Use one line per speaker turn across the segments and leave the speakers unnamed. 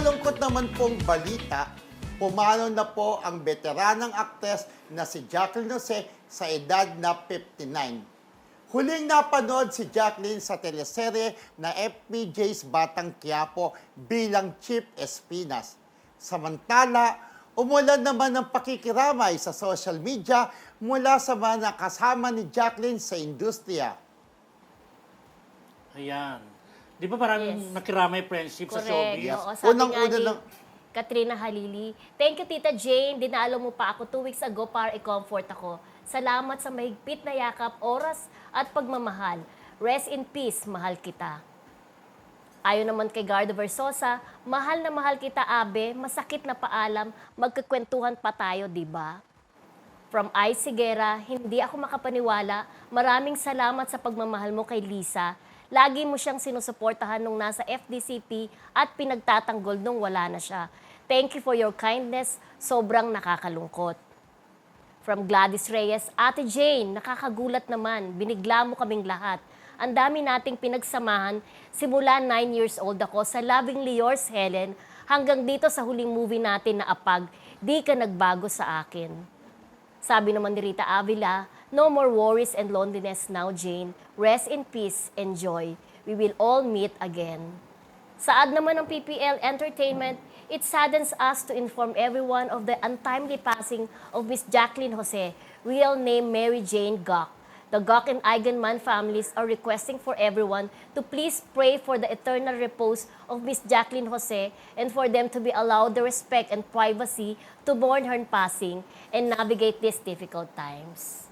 malungkot naman pong balita, pumanaw na po ang veteranang aktres na si Jacqueline Jose sa edad na 59. Huling napanood si Jacqueline sa teleserye na FPJ's Batang Quiapo bilang Chief Espinas. Samantala, umulan naman ng pakikiramay sa social media mula sa mga kasama ni Jacqueline sa industriya.
Ayan. Di ba maraming nakiramay friendship sa showbiz?
Oo, sabi
Unang-una
nga ni
lang-
Katrina Halili, thank you Tita Jane, dinalo mo pa ako 2 weeks ago para i-comfort ako. Salamat sa mahigpit na yakap, oras at pagmamahal. Rest in peace, mahal kita. Ayon naman kay Gardo Versosa, mahal na mahal kita Abe, masakit na paalam, magkakwentuhan pa tayo, di ba? From Ice Sigera, hindi ako makapaniwala. Maraming salamat sa pagmamahal mo kay Lisa. Lagi mo siyang sinusuportahan nung nasa FDCP at pinagtatanggol nung wala na siya. Thank you for your kindness. Sobrang nakakalungkot. From Gladys Reyes, Ate Jane, nakakagulat naman. Binigla mo kaming lahat. Ang dami nating pinagsamahan simula 9 years old ako sa Lovingly Yours, Helen, hanggang dito sa huling movie natin na Apag, di ka nagbago sa akin. Sabi naman ni Rita Avila, no more worries and loneliness now, Jane. Rest in peace and joy. We will all meet again. Saad naman ng PPL Entertainment, it saddens us to inform everyone of the untimely passing of Miss Jacqueline Jose, real name Mary Jane Gok. The Gok and Eigenman families are requesting for everyone to please pray for the eternal repose of Miss Jacqueline Jose and for them to be allowed the respect and privacy to mourn her passing and navigate these difficult times.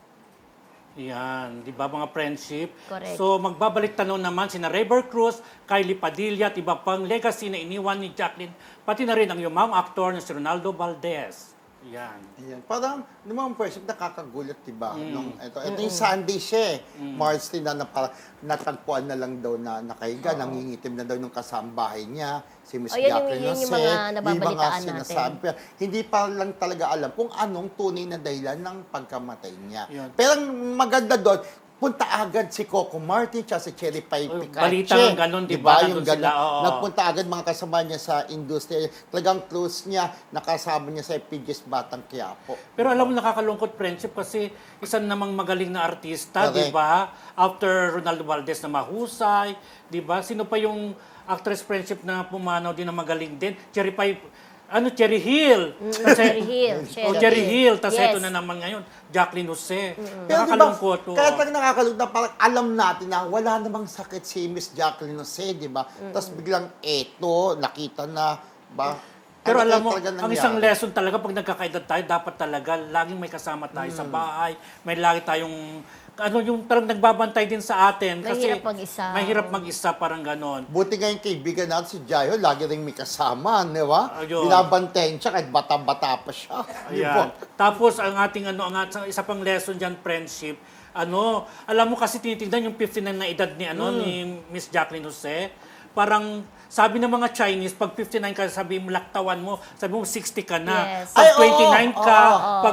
Yan, di ba mga friendship?
Correct.
So magbabalik tanong naman sina Reber Cruz, Kylie Padilla at iba pang legacy na iniwan ni Jacqueline, pati na rin ang yumang aktor na si Ronaldo Valdez. Yan.
Ayan. Parang, naman person, nakakagulat, diba? Ito yung Sunday siya eh. March 10 na parang natagpuan na lang daw na nakahiga, nangingitim na daw yung kasambahay niya, si Miss Jacqueline
yun yung
Jose.
mga nababalitaan
sinasabi. Pero hindi pa lang talaga alam kung anong tunay na dahilan ng pagkamatay niya.
Yun.
Pero ang maganda doon, punta agad si Coco Martin at si Cherry Pie Picache.
Balita ng ganun, di ba?
Yung
Nandun sila,
ganun.
oo.
Nagpunta agad mga kasama niya sa industriya. Talagang close niya, nakasama niya sa FPJ's Batang Quiapo.
Pero alam mo, nakakalungkot friendship kasi isang namang magaling na artista,
Correct.
di ba? After Ronaldo Valdez na mahusay, di ba? Sino pa yung actress friendship na pumanaw din na magaling din? Cherry Hill.
Cherry Hill.
Cherry Hill. Tapos
Yes.
ito na naman ngayon, Jacqueline Jose.
Pero
Nakakalungkot.
diba, kaya talagang nakakalungkot na parang alam natin na wala namang sakit si Miss Jacqueline Jose, di ba? Tapos biglang eto, nakita na, ba?
Pero
Ano
alam mo,
kaya talaga
ang isang
nangyari?
lesson talaga pag nagkakaedad tayo, dapat talaga laging may kasama tayo sa bahay. May lagi tayong, yung parang nagbabantay din sa atin. Kasi
Mahirap mag-isa.
Mahirap mag-isa, parang ganon.
Buti nga yung kaibigan natin si Jayo, lagi rin may kasama, di ba?
Ayun.
Binabantayan siya kahit bata-bata pa siya. Di ba?
Ayan. Tapos ang ating isa pang lesson diyan, friendship. Alam mo kasi tinitingnan yung 59 na edad ni ni Miss Jacqueline Jose. Parang sabi ng mga Chinese, pag 59 ka, sabi mo laktawan mo, sabi mo 60 ka na.
Yes.
Pag
Ay, oo,
29 ka,
oo.
pag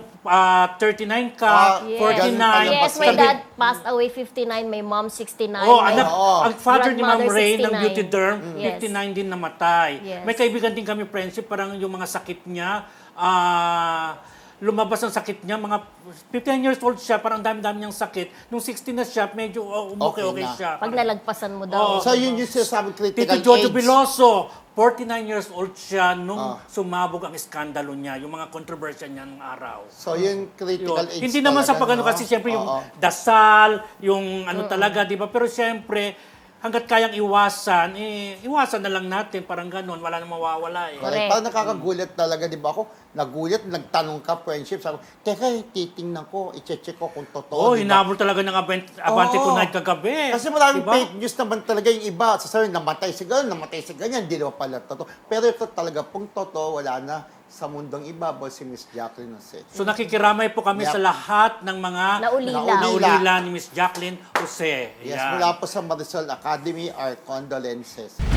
39 ka,
Yes.
49.
Yes, my
sabi-
dad passed away 59, my mom 69.
Oh,
my
anak,
Oo.
ang father ni Ma'am
grandmother,
Ray ng
69.
Beauty Derm,
Yes.
59 din namatay.
Yes.
May kaibigan din kami friendship, parang yung mga sakit niya, lumabas ang sakit niya, mga 59 years old siya, parang dami-dami niyang sakit. Nung 60 na siya, medyo okay
Okay na.
siya.
Pag nalagpasan mo daw.
Oo.
So yun yung sinasabi critical
Tito Jojo
age.
Veloso, 49 years old siya nung sumabog ang iskandalo niya, yung mga controversy niya ng araw.
So yung critical
Yun.
age
Hindi naman sa
talaga,
pagano
no?
kasi siyempre yung
Oo.
dasal, yung talaga, di ba? Pero siyempre, hanggat kayang iwasan, iwasan na lang natin, parang ganon, wala nang mawawala eh.
Correct.
Parang nakakagulat talaga, di ba ako? Nagulat, nagtanong ka, friendship. Sabi ko, teka, titingnan ko, i-check ko kung totoo.
Oh,
di ba?
hinabol talaga ng Abante
Oo.
Tonight kagabi.
Kasi maraming
Diba?
fake news naman talaga yung iba. Sasabihin, namatay si ganyan, namatay si ganyan. Hindi naman pala totoo. Pero ito talaga, kung totoo, wala na sa mundong ibabaw si Miss Jacqueline Jose.
So nakikiramay po kami
Yep.
sa lahat ng mga
Naulila.
naulila ni Miss Jacqueline Jose.
Yes,
Yan.
mula po sa Marisol Academy, our condolences.